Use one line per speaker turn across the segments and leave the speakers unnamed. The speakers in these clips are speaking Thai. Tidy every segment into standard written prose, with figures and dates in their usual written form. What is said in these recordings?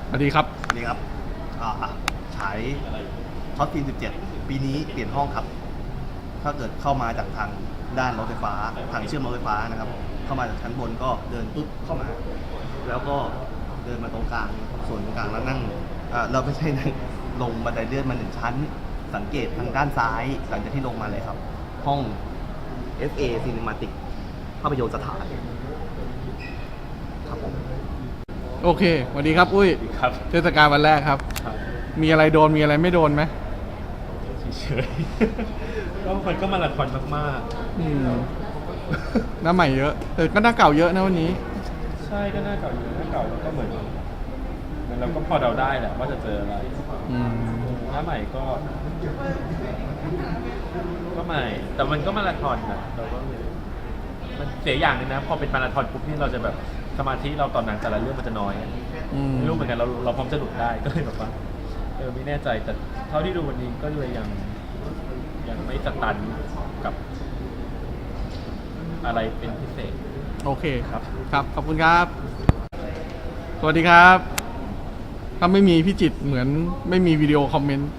สวัสดีครับ
สวัสดีครับฉายช็อตฟิล์ม17 ปีนี้เปลี่ยนห้องครับ ถ้าเกิดเข้ามาจากทางด้านรถไฟฟ้าทางเชื่อมรถไฟฟ้านะครับ เข้ามาจากชั้นบนก็เดินปุ๊บเข้ามา แล้วก็เดินมาตรงกลางส่วนตรงกลางแล้วนั่งเราไม่ใช่นั่งลงบันไดเลื่อนมา1 ชั้น สังเกตทางด้านซ้ายหลังจากที่ลงมาเลยครับ ห้อง FA Cinematic ภาพยนตร์สถานครับผม
โอเคสวัสดีครับอุ้ย
ครับ
เทศกาลวันแรกครับ มีอะไรโดนมีอะไรไม่โดนไหม
เฉยๆก็มันก็มาราธอนมาก
หน้าใหม่เยอะแต่ก็หน้าเก่าเยอะนะวันนี้
ๆใช่ก็หน้าเก่าอยู่หน้าเก่าแล้วก็เหมือนเราก็พอเดาได้แหละว่าจะเจออะไรหน้าใหม่ก็ใหม่แต่มันก็มาราธอนนะเราก็มันเสียอย่างนึงนะพอเป็นมาราธอนปุ๊บนี่เราจะแบบสมาธิเราตอนหนังแต่ละเรื่องมันจะน้อยไม่รู้เหมือนกันเราพร้อมจะหลุดได้ก็เลยแบบว่าไม่แน่ใจแต่เท่าที่ดูวันนี้ก็เลยยังไม่สตันกับอะไรเป็นพิเศษ
โอเคครับขอบคุณครับสวัสดีครับถ้าไม่มีพี่จิตเหมือนไม่มีวิดีโอคอมเมนต์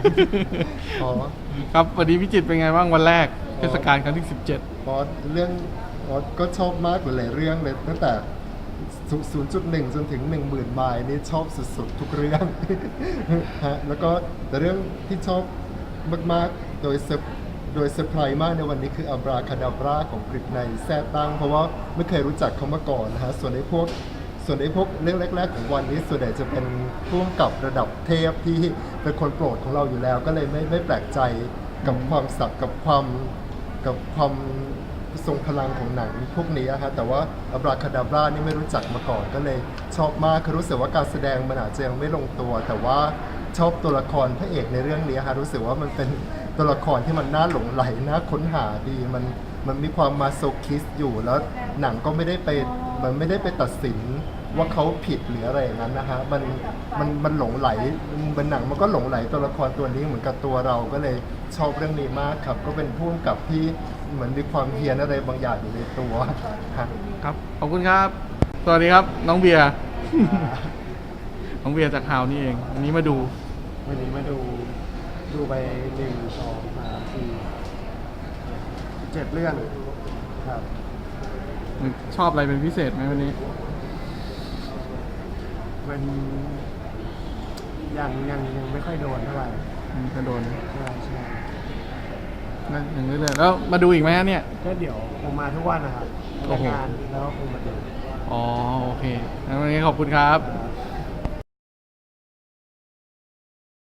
ครับวันนี้พี่จิตเป็นไงบ้างวันแรกเทศกาลครั้งที่17
เรื่องก็ชอบมากหลายเรื่องเลยตั้งแต่0.1 จนถึง 10,000 ไมล์นี่ชอบสุดๆทุกเรื่องฮะแล้วก็แต่เรื่องที่ชอบมากๆโดยเซอร์ไพรส์มากในวันนี้คืออับราคาดาบราของกฤษในแซ่ตั้งเพราะว่าไม่เคยรู้จักเขามาก่อนนะฮะส่วนไอ้พวกเรื่องแรกๆของวันนี้ส่วนใหญ่จะเป็นร่วมกับระดับเทพที่เป็นคนโปรดของเราอยู่แล้วก็เลยไม่แปลกใจกับความสับกับความทรงพลังของหนังพวกนี้ฮะแต่ว่าอับราคาดาบรานี่ไม่รู้จักมาก่อนก็เลยชอบมากคือรู้สึกว่าการแสดงมันอาจจะยังไม่ลงตัวแต่ว่าชอบตัวละครพระเอกในเรื่องนี้ฮะรู้สึกว่ามันเป็นตัวละครที่มันน่าหลงใหลน่าค้นหาดีมันมีความมาโซคิสอยู่แล้วหนังก็ไม่ได้ไปตัดสินว่าเขาผิดหรืออะไรอย่างนั้นนะฮะมันหลงไหลมันหนังมันก็หลงไหลตัวละครตัวนี้เหมือนกับตัวเราก็เลยชอบเรื่องนี้มากครับก็เป็นผู้กำกับที่เหมือนมีความเฮียนอะไรบางอย่างอยู่ในตัว
ครับขอบคุณครับสวัสดีครับน้องเบียร์ น้องเบียร์จากฮาวนี่เองวันนี้มาดู
ไป1 2 3 4 7 เรื่องครับ
ชอบอะไรเป็นพิเศษไหมวันนี้
มันยังไม่ค่อยโดนเท่าไหร่
จะโดน
ใช่
นั่นอย่างนี้เลยแล้วมาดูอีกไหมเนี่ย
ก็เดี๋ยวคงมาทุกวันนะครับทำงานแล้วก็คงมาดู
อ๋อโอเคงั้นวันนี้ขอบคุณครับ